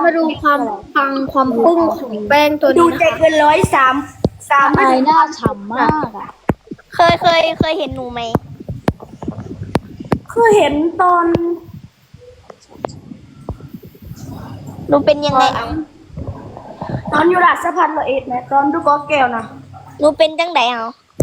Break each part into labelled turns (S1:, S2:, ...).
S1: มาดูความปังความปึ้งของแป้งตัว
S2: ดู
S1: นี้
S2: ใจ
S1: นะคะ
S2: เกิน103ไม่
S3: อาย
S2: ถึง
S3: หน้าฉ่ำมากอ่ะ
S4: เคยเห็นหนูไหม
S2: คือเห็นตอน
S4: หนูเป็นยังไงเอา
S2: ตอนอยู่ราชพัฒน์ละเอ็ดนะตอนดูกอแก้วนะ
S4: หนูเป็นจังไดเอา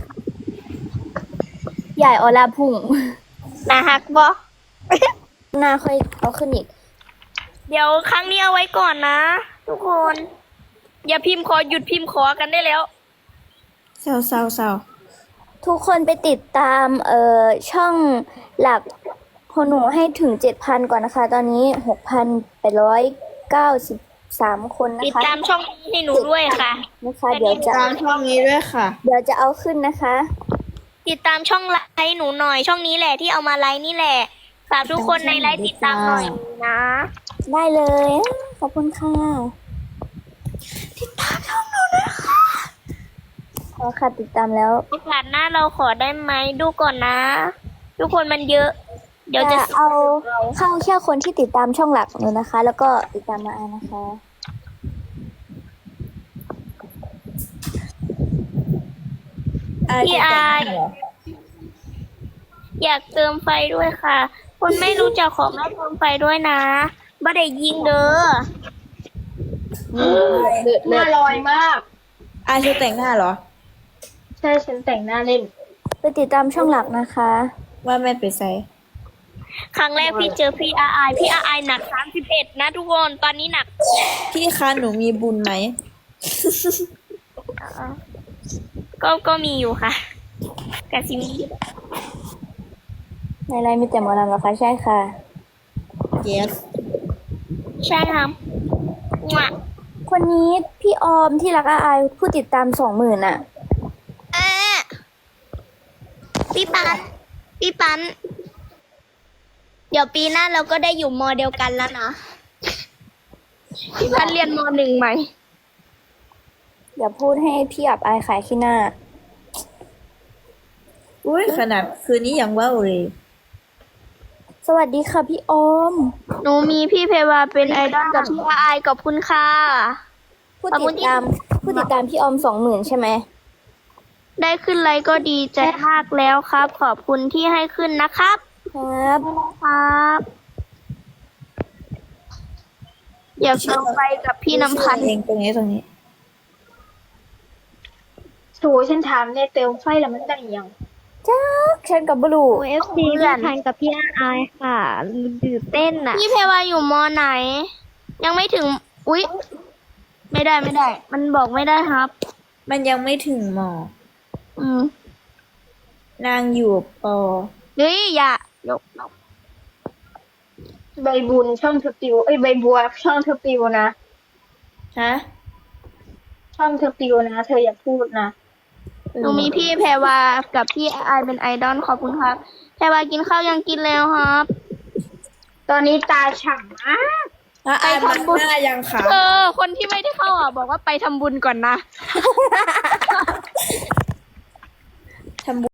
S3: ใหญ่ออลาพุ่ง
S4: หนาฮักบ่
S3: หน้าค่อยเอาขึ้นอีก
S4: เดี๋ยวครั้งนี้เอาไว้ก่อนนะ ทุกคน อย่าพิมพ์ขอหยุดพิมพ์ขอกันได้แล้ว
S1: เศร้า
S3: ทุกคนไปติดตามช่องหลักของหนูให้ถึง 7,000 ก่อนนะคะ ตอนนี้ 6,893 คนนะ
S4: ติด
S3: คะ
S4: ตามช่องนี้ให้หนูด้วยค่ะ
S3: นะคะ เดี๋ยวจะ
S1: ตามช่องนี้ด้วยค่ะ
S3: เอาขึ้นนะคะ
S4: ติดตามช่องไลฟ์หนูหน่อย ช่องนี้แหละที่เอามาไลฟ์นี่แหละฝากทุกคนในไลฟ์ติดตามหน่อยนะ
S3: ได้เลย ขอบคุณค่ะติดตามช่องหนูนะคะค่ะติดตามแล้ว
S4: โอกาสหน้าเราขอได้ไหมดูก่อนนะ ทุกคนมันเยอะ เดี๋ยวจะ
S3: เอาเข้าแค่คนที่ติดตามช่องหลักหนูนะคะ แล้วก็ติดตามมานะคะ
S4: พี่อายอยากเติมไฟด้วยค่ะ คนไม่รู้จักขอไม่เติมไฟด้วยนะบ่ได้ยิงเด้อ
S1: หน้าลอยมากอายเธอแต่งหน้าเหรอ ใช่ฉันแต่งหน้าเล่น
S3: ไปติดตามช่องหลักนะคะ
S1: ว่าแม่ไปใส่
S4: ครั้งแรกพี่เจอพี่อายพี่อายหนัก31นะทุกคนตอนนี้หนัก
S1: พี่คะหนูมีบุญไหม
S4: ก็มีอยู่ค่ะกะซิมี
S3: ในไลน์มีแต่หมอลำเหรอคะใช่ค่ะ
S1: yes
S4: ใช่ครับมั่ว
S3: คนนี้พี่ออมที่รักอาอายผู้ติดตาม 20,000อ่ะ
S4: พี่ปันเดี๋ยวปีหน้าเราก็ได้อยู่มอเดียวกันแล้วนะพี่ปันเรียนม1ไหม
S3: อย่าพูดให้พี่อับอายขายขี้หน้า
S1: อุ้ยขนาดคืนนี้ยังว่าวเลย
S3: สวัสดีค่ะพี่ออม
S4: หนูมีพี่เพวาเป็นไอดอลกับพี่อายขอบคุณค่ะ
S3: ผู้ติดตามพี่ออม 20,000 ใช่ไหม
S4: ได้ขึ้นไลฟ์ก็ดีใจมากแล้วครับ ขอบคุณที่ให้ขึ้นนะครับ
S3: ครับ
S4: ครับ อยากลองไปกับพี่น้ำพันธ์
S1: เองตรงนี้
S5: โถฉันถามในเติมไฟแล้วมันได้ยัง
S3: จ้าฉันกับบลู
S4: OFC พี่พันกับพี่อายค่ะตื่นเต้นอ่ะ พี่เพวาอยู่มอไหน ยังไม่ถึง อุ๊ย ไม่ได้ มันบอกไม่ได้ครับ
S1: มันยังไม่ถึงหมอ
S4: อืม
S1: นางอยู่ปอ
S4: เฮ้ยอย่ายก
S5: ใบบุญช่องเธอปิวใบบัวช่องเธอปิวนะ
S1: ฮะ
S5: ช่องเธอปิวนะ เธออย่าพูดนะ
S4: หนูมีพี่แพรวากับพี่อายเป็นไอดอลขอบคุณครับ แพรวากินข้าวยังกินแล้วครับ
S5: ตอนนี้ตาฉ่ำมาก
S1: อายมันหน้ายังขาว
S4: คนที่ไม่ได้เข้าอ่ะบอกว่าไปทำบุญก่อนนะ
S1: ทำ